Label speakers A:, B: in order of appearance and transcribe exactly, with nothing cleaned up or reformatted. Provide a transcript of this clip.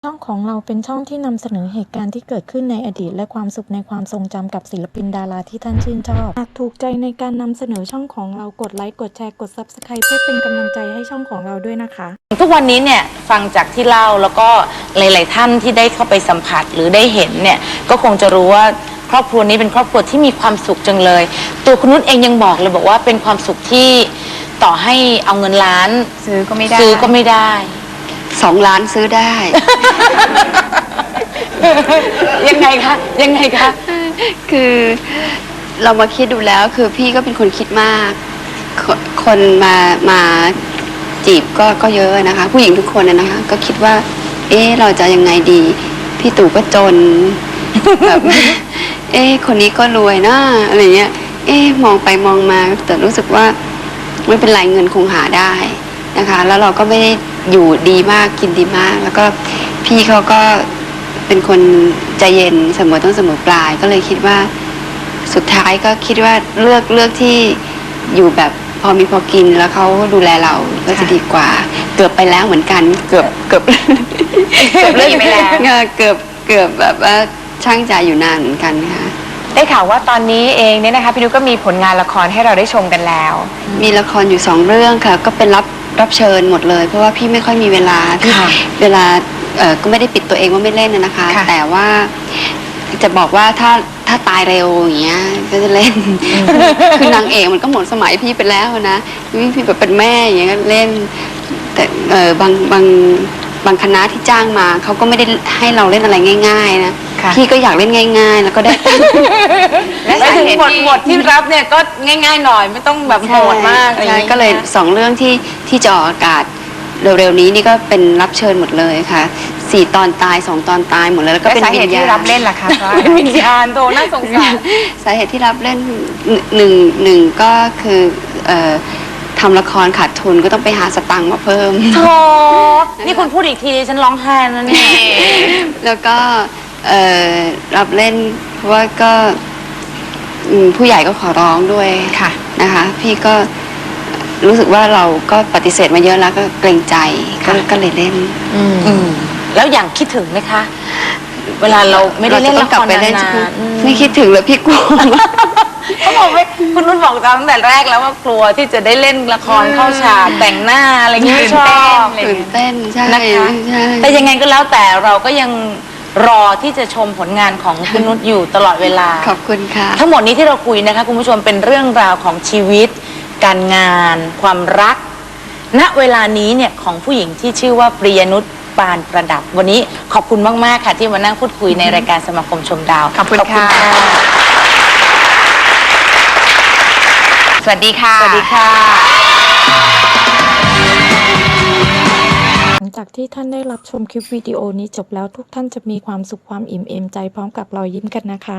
A: ช่องของเราเป็นช่องที่นำเสนอเหตุการณ์ที่เกิดขึ้นในอดีตและความสุขในความทรงจำกับศิลปินดาราที่ท่านชื่นชอบหากถูกใจในการนำเสนอช่องของเรากดไลค์กดแชร์กด ซับสไครบ์ เพื่อเป็นกำลังใจให้ช่องของเราด้วยนะคะ
B: ทุกวันนี้เนี่ยฟังจากที่เล่าแล้วก็หลายๆท่านที่ได้เข้าไปสัมผัสหรือได้เห็นเนี่ยก็คงจะรู้ว่าครอบครัวนี้เป็นครอบครัวที่มีความสุขจังเลยตัวคุณนุชเองยังบอกเลยบอกว่าเป็นความสุขที่ต่อให้เอาเงินล้าน
C: ซื้อก็ไม่ได้
B: ซื้อก็ไม่ได้
C: สองล้านซื้อได้
B: ยังไงคะยังไงคะ
C: คือเรามาคิดดูแล้วคือพี่ก็เป็นคนคิดมาก คนมามาจีบก็ก็เยอะนะคะผู้หญิงทุกคนนะคะก็คิดว่าเอ๊ะเราจะยังไงดีพี่ตู่ก็จนแบบเอ๊ะคนนี้ก็รวยนะอะไรเงี้ยเอ๊ะมองไปมองมาแต่รู้สึกว่าไม่เป็นไรเงินคงหาได้นะคะแล้วเราก็ไม่ได้อยู่ดีมากกินดีมากแล้วก็พี่เขาก็เป็นคนใจเย็นเสมอต้นเสมอปลายก็เลยคิดว่าสุดท้ายก็คิดว่าเลือกเลือกที่อยู่แบบพอมีพอกินแล้วเขาดูแลเราก็จะดีกว่าเกือบไปแล้วเหมือนกันเกือบเกือบ
B: เกือบเลิกไปแล้ว
C: เกือบเกือบแบบว่าช่างใจอยู่นานเหมือนกันค่ะ
D: ได้ข่าวว่าตอนนี้เองเนี่ยนะคะพี่นุชก็มีผลงานละครให้เราได้ชมกันแล้ว
C: มีละครอยู่สองเรื่องค่ะก็เป็นรับรับเชิญหมดเลยเพราะว่าพี่ไม่ค่อยมีเวลาพี่เวลาเอ่อก็ไม่ได้ปิดตัวเองว่าไม่เล่นนะคะแต่ว่าจะบอกว่าถ้าถ้าตายเร็วอย่างเงี้ยก็จะเล่นคือนางเอกมันก็หมดสมัยพี่ไปแล้วนะพี่แบบเป็นแม่อย่างเงี้ยก็เล่นแต่เออบางบางบางคณะที่จ้างมาเขาก็ไม่ได้ให้เราเล่นอะไรง่ายๆนะพี่ก็อยากเล่นง่ายๆแล้วก็ได้
B: และถึงบทบทที่รับเนี่ยก็ง่ายๆหน่อยไม่ต้องแบบโหดมาก
C: ใช่ก็เลยสองเรื่องที่ที่จะออกอากาศเร็วๆนี้นี่ก็เป็นรับเชิญหมดเลยค่ะสี่ตอนตายสองตอนตายหมดเลยแล้วก็เป็นวิญญาณ
D: ที่รับเล่นล่ะคะ
B: เป็นวิญญาณโตน่าสงสาร
C: สาเหตุที่รับเล่นหนึ่งหนึ่งก็คือทำละครขาดทุนก็ต้องไปหาสตังค์มาเพิ่ม
B: โธ่นี่คุณพูดอีกทีฉันร้องไห้แล้วเนี่ย
C: แล้วก็รับเล่นเพราะว่าก็ผู้ใหญ่ก็ขอร้องด้วยค่ะนะคะพี่ก็รู้สึกว่าเราก็ปฏิเสธมาเยอะแล้วก็เกรงใจก็เลยเล่น
B: แล้วอย่างคิดถึงไหมคะเวลาเราไม่ได้เล่นละครนาน
C: ๆไม่คิดถึงเลยพี่กลัว
B: เขาบอกว่าคุณนุ่นบอกตั้งแต่แรกแล้วว่ากลัวที่จะได้เล่นละครเข้าฉากแต่งหน้าอะไรเงี้ยชอบ
C: ตื่นเต้นใช่
B: นะคะแต่ยังไงก็แล้วแต่เราก็ยังรอที่จะชมผลงานของคุณนุชอยู่ตลอดเวลา
C: ขอบคุณค่ะ
B: ทั้งหมดนี้ที่เราคุยนะคะคุณผู้ชมเป็นเรื่องราวของชีวิตการงานความรักณเวลานี้เนี่ยของผู้หญิงที่ชื่อว่าปริยนุชปานประดับวันนี้ขอบคุณมากๆค่ะที่มานั่งพูดคุยในรายการสมาคมชมดาว
D: ขอบคุณค่ะสวัสดีค่ะ
B: สวัสดีค่ะ
A: หลังจากที่ท่านได้รับชมคลิปวิดีโอนี้จบแล้วทุกท่านจะมีความสุขความอิ่มเอมใจพร้อมกับรอยยิ้มกันนะคะ